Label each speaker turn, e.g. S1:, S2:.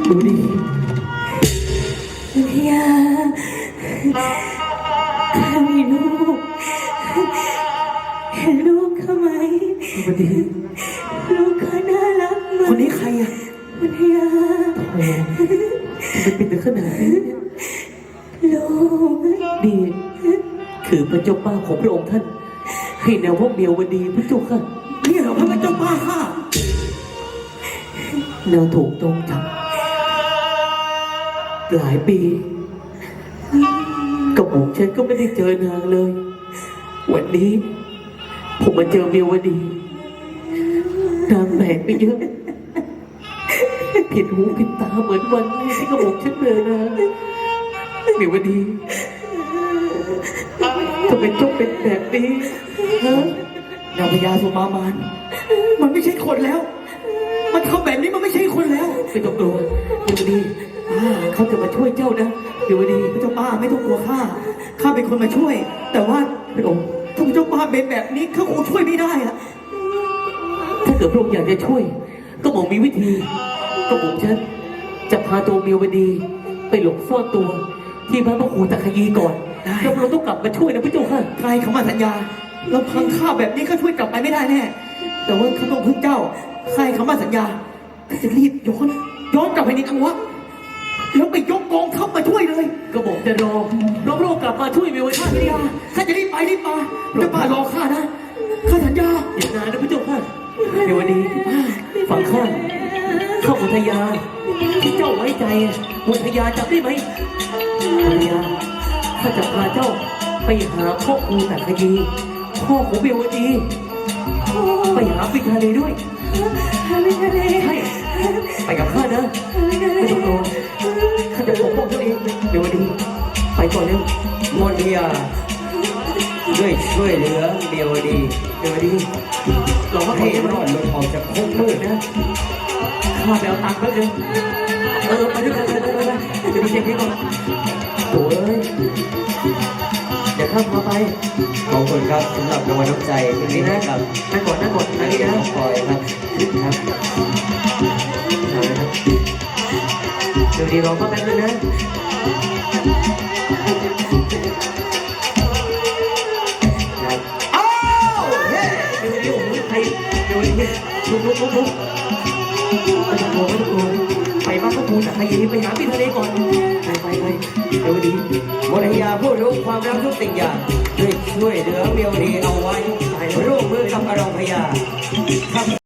S1: ดูดิ
S2: วิทยาข้ามีลูกเห็นลูกเขาไหม
S1: ดูดิ
S2: ลูกเขาน่ารักมาก
S1: คนนี้ใครอ่ะ
S2: วิทยา
S1: โอ้มันเป็นถึงขนาดนี้
S2: ลูก
S1: นี่คือพระเจ้าป้าของพระองค์ท่านให้แนวพวกเดียววันดีพระเจ้าค่ะนี่เหรอพระเจ้าป้าค่ะนางถูกจองจับหลายปีกับผมฉันก็ไม่ได้เจอนางเลยวันนี้ผมมาเจอเมียวดีนางแปลกไปเยอะผิดหูผิดตาเหมือนวันแรกที่กระบอกฉันเจอนางเมียวดีทำไมต้องเป็นแบบนี้ฮะนางพญาสุมามานมันไม่ใช่คนแล้วมันทำแบบนี้มันไม่ใช่คนแล้วไม่ต้องกลัวเมียวดีเขาจะมาช่วยเจ้านะเมียวดีเจ้าป้าไม่ต้องกลัวข้าเป็นคนมาช่วยแต่ว่าพระองค์ถ้าเจ้าป้าเป็นแบบนี้เขาคงช่วยไม่ได้อะถ้าเกิดพระองค์อยากจะช่วยก็บอกมีวิธีก็บอกฉันจะพาตัวเมียวดีไปหลบซ่อนตัวที่พระครูตะขยีก่อนแล้วเราต้องกลับมาช่วยนะพระเจ้าค่ะใครเขามาสัญญาเราพังข้าแบบนี้ก็ช่วยกลับไปไม่ได้แน่แต่ว่าข้าต้องพึ่งเจ้าใครเขามาสัญญาข้าจะรีบย้อนกลับไปในอังวะแล้วไปยกกองทัพมาช่วยเลยก็บอกจะรอพระองค์กลับมาช่วยเมียวดีข้าจะรีบไปรีบมาจะป่ารอข้านะข้าสัญญาอย่านานนะพระเจ้าค่ะเมียวดีฝั่งข้าเข้าอุทยานที่เจ้าไว้ใจอุทยานจำได้ไหมอุทยานข้าจะพาเจ้าไปหาพ่อครูตะขยีพ่อของเมียวดีไปหาปิทะเลด้วย
S2: วิทยา
S1: ใช่ไปกับข้านะไม่ต้องกลัวข้าจะปกป้องตัวเองเดี๋ยวดีไปก่อนเร็ว
S3: มนทิยาด้วยช่วยเหลือเดียวดี
S1: เดี๋ยวดีเราก็
S3: ให้รอดหลุดออกจากคุกมืดนะ
S1: ข้าไปเอาตังค์แป๊บนึงไปด้วยกันไปจะดีเช็คให้ก่อนโถ่เลยเดี๋ยวข้าพาไป
S3: ขอบคุณครับสำหรับรางวัลน้ำใจวันนี้นะครับ
S1: นั่งก่อนนั่งนี่นะ
S3: ปล่อยครับครับ
S1: เดี๋ยวดีรอแป๊บนึงนะอ้าวเฮ้เดี๋ยวดีโอ้ยใครเดี๋ยวดีลุกไม่ต้องกลัวไปบ้านพระครูแต่ใครยังไปหาพี่ทะเลก่อนไปเดี๋ยวดี
S3: มนทิยาผู้รู้ความรักทุกสิ่งอย่างด้วยช่วยเหลือเดียวดีเอาไว้ร่วมมือกับอรองพยา